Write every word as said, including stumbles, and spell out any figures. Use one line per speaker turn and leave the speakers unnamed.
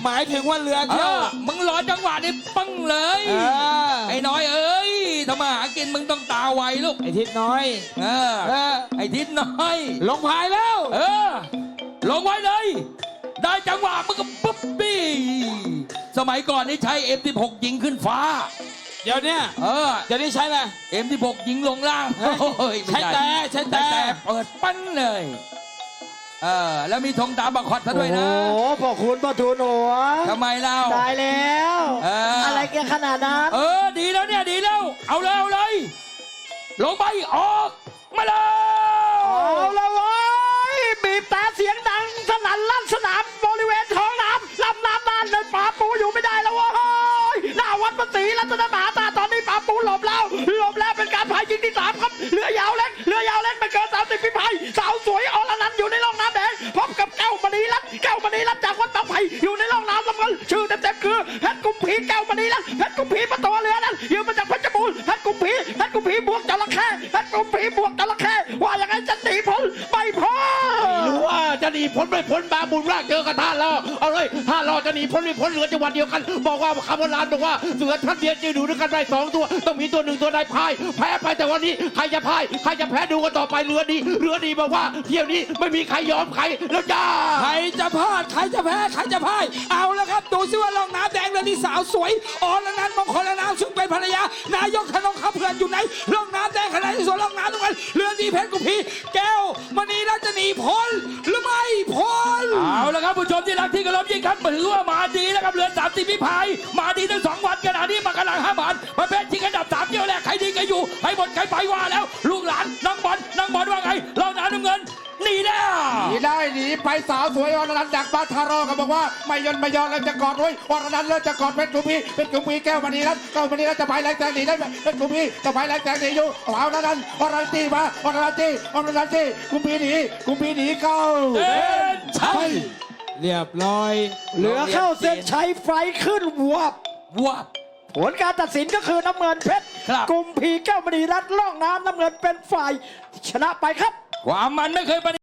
หมายถึงว่าเรือเที่ยว
มึงรอจังหวะนี้ปังเลยไอ้น้อยเอ้ยทำมาหากินมึงต้องตาไวลูก
ไอ้ทิศน้อย
เออไอ้ทิศน้อย
ลงพายแล้ว
เออลงไว้เลยได้จังหวะมึงก็ปุ๊บปี้สมัยก่อนนี่ใช้ เอ็ม สิบหก ยิงขึ้นฟ้า
เดี๋ยวนี้
เออ
เดี๋ยวนี้ใช้อะไร
เอ็ม สิบหก ยิงลงล่าง
ใช้แต่ใช้แต่
เปิดปั้นเลยเออแล้วมีธงตามบังคับซะด้วยนะ
โอ้พ่อคุณพ่อทูลหัว
ทำไมเล่า
ตายแล้วอะไรแกขนาดนั้น
เออดีแล้วเนี่ยดีแล้วเอาเลยเอาเลยลงไปออกมาเลย
เอาละเว้ยบีบแต่เสียงดังสนั่นลั่นสนามบริเวณท้องน้ำลำน้ำน่านเลยป่าปูอยู่ไม่ได้แล้วเว้ยหน้าวัดพระศรีรัตนมหาธาตุตอนนี้ป่าปูหลบแล้วหลบแล้วเป็นการพายยิงที่สามครับเรือยาวเล็กเรือยาวเล็กไม่เกินสามสิบฝีพายสาวสวยอรนันต์อยู่ในร่องน้ำแดงพบกับแก้วมณีรัตน์แก้วมณีรัตน์จากวัดบางไผ่อยู่ในร่องน้ำน้ำเงินชื่อเต็มๆคือเพชรกุมพีแก้วมณีรัตน์เพชรกุมพีประตูเรือนั้นยืมมาจากเพชรบูรณ์เพชรกุมพีเพชรกุมพีบวกจระเข้เพชรกุมพีบวกจระเข้ว่าอย่างไรจะหนีพ้นไม่พ้น
ไม่รู้ว่าจะหนีพ้นไม่พ้นบาบุญรากเจอกับท่านเราเอาเลยท่านเราจะหนีพ้นไม่พ้นเหลือจังหวัดเดียวกันบอกว่าคำโบราณบอกว่าเสือท่านเดียวจะดูด้วยกันได้สองตัวต้องมีตัวหนึ่งตัวใดพายแพ้ไปแต่วันนี้ใครจะพายใครจะแพ้ดูกันต่อไปเรือดีเรือดีบอกว่าเที่ยวนี้ไม่มีใครยอมใครแล้วจ้า
ใครจะพลาดใครจะแพ้ใครจะพ่ายเอาแล้วครับดูซิว่าล่องน้ำแดงเรือที่สาวสวยอรนันต์มงคลนามซึ่งเป็นภรรยานายกธนงคำเพื่อนอยู่ไหนล่องน้ำแดงขนาดที่สวนล่องน้ำตรงนั้นเรือดีเพชรกุมพีแก้วมณีรัตน์จะหนีพ้นหรือไม่พ้น
เอาละครับผู้ชมที่รักที่กระลบยิ่งครับถือว่ามาดีแล้วครับเรือสามสิบพิพายมาดีทั้งสองวันขณะนี้มากระหลังห้าบาทประเภทชิงอันดับสามเที่ยวแรกใครดีใครอยู่ให้หมดใครไปว่าแล้วลูกหลานน้องบอลน้องบอลว่าไงเราหนาน้ำเงินหนีได้
หนีได้หนีไปสาวสวยอรนันต์จากบ้านทารอก็บอกว่าไม่ยนไม่ยอมแล้วจะกอดไว้อรนันต์แล้วจะกอดเพชรกุมพีเพชรกุมพีแก้วมณีรัตน์แก้วมณีรัตน์จะไปแรงแซงหนีได้ไหมเพชรกุมพีจะไปแรงแซงหนีอยู่เอาอรนันต์อรนันต์ตีมาอรนันต์ตีอรนันต์ตีกุมพีหนีกุมพีหนีเข้า
เส้นชัย
เรียบร้อย
เหลือเข้าเส้นชัยไฟขึ้นวับ
วับ
ผลการตัดสินก็คือน้ำเงินเพชรกุมพีแก้วมณีรัตน์ล่องน้ำน้ำเงินเป็นฝ่ายชนะไปครับ
ความมันไม่เคย